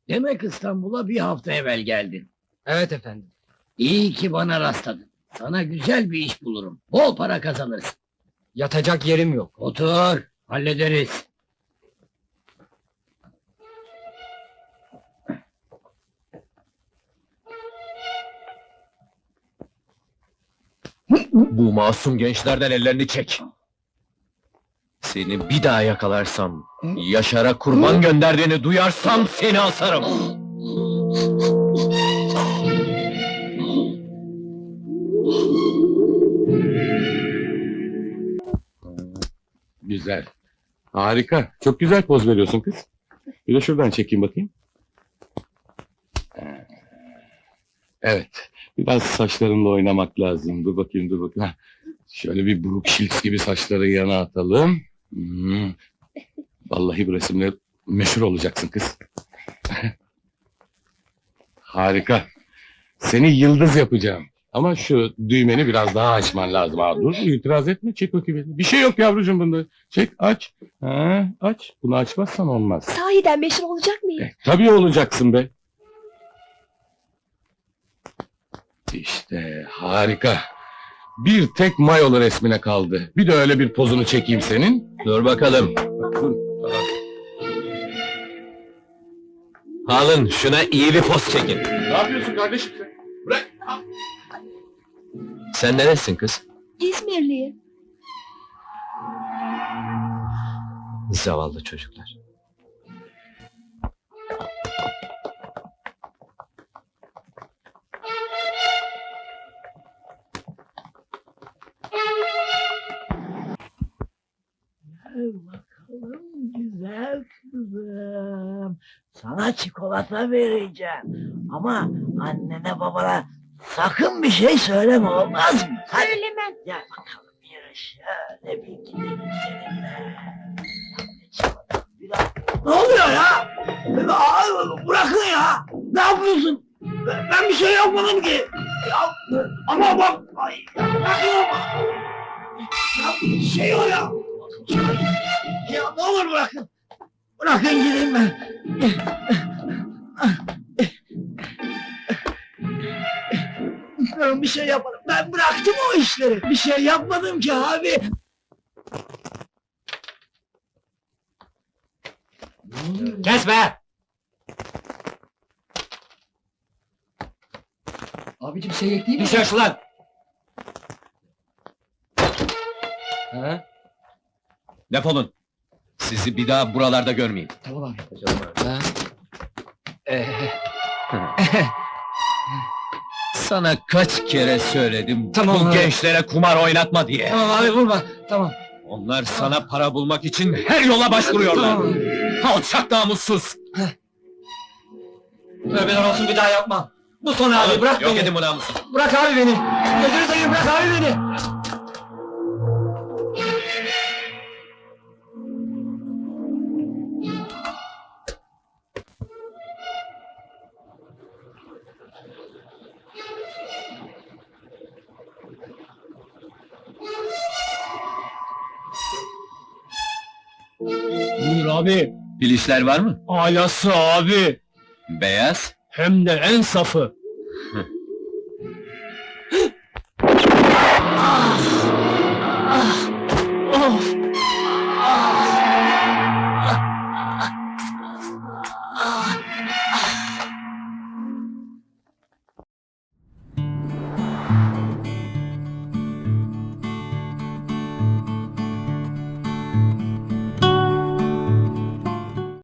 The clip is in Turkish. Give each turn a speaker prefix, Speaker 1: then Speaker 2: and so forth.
Speaker 1: Demek İstanbul'a bir hafta evvel geldin.
Speaker 2: Evet efendim.
Speaker 1: İyi ki bana rastladın. Sana güzel bir iş bulurum. Bol para kazanırsın.
Speaker 2: Yatacak yerim yok.
Speaker 1: Otur, hallederiz.
Speaker 3: Bu masum gençlerden ellerini çek. Seni bir daha yakalarsam, Yaşar'a kurban gönderdiğini duyarsam seni asarım.
Speaker 4: Güzel. Harika. Çok güzel poz veriyorsun kız. Bir de şuradan çekeyim bakayım. Evet. Biraz saçlarınla oynamak lazım. Dur bakayım, dur bakayım. Hah. Şöyle bir Brooke Shields gibi saçları yana atalım. Vallahi bu resimle meşhur olacaksın kız. Harika. Seni yıldız yapacağım. Ama şu düğmeni biraz daha açman lazım abi. Dur, itiraz etme. Çek bakayım. Bir şey yok yavrucuğum bunda. Çek, aç. Ha, aç. Bunu açmazsan olmaz.
Speaker 5: Sahiden meşhur olacak mıyım?
Speaker 4: Tabii olacaksın be. İşte harika. Bir tek mayolu resmine kaldı. Bir de öyle bir pozunu çekeyim senin.
Speaker 3: Dur bakalım.
Speaker 4: Bakın.
Speaker 3: Alın şuna iyi bir poz çekin.
Speaker 4: Ne yapıyorsun kardeşim sen? Bırak.
Speaker 3: Sen neresin kız?
Speaker 5: İzmirliyim.
Speaker 3: Zavallı çocuklar.
Speaker 1: Gel bakalım güzel kızım. Sana çikolata vereceğim. Ama annene babana sakın bir şey söyleme, olmaz mı? Hadi.
Speaker 5: Söylemem.
Speaker 1: Gel bakalım yürü şöyle bir gidelim seninle. Çikolata, bir daha. Ne oluyor ya? Bırakın ya. Ne yapıyorsun? Ben bir şey yapmadım ki. Ya, ama bak. Ay, ya, bırakın ama. Ya, bir şey o ya. Ya ne olur bırakın. Bırakın gideyim ben. Ben bir şey yapmadım. Ben bıraktım o işleri. Bir şey yapmadım ki abi.
Speaker 3: Kes be!
Speaker 2: Abicim seyrek değil mi?
Speaker 3: Dışarı şu lan! Ha? Defolun. Sizi bir daha buralarda görmeyeyim.
Speaker 2: Tamam abi. Ha?
Speaker 3: Sana kaç kere söyledim
Speaker 2: Tamam
Speaker 3: bu
Speaker 2: abi.
Speaker 3: gençlere kumar oynatma diye.
Speaker 2: Tamam abi vurma. Tamam.
Speaker 3: Onlar sana para bulmak için her yola başvuruyorlar.
Speaker 2: Tamam.
Speaker 3: Alçak namussuz.
Speaker 2: Tövbeler olsun bir daha yapma. Bu son abi bırak
Speaker 3: Yok
Speaker 2: beni.
Speaker 3: edin bu namussuz.
Speaker 2: Bırak abi beni. Gözünü seveyim bırak abi beni.
Speaker 6: Buyur abi.
Speaker 3: Filişler var mı?
Speaker 6: Alası abi.
Speaker 3: Beyaz.
Speaker 6: Hem de en safı.
Speaker 1: Of!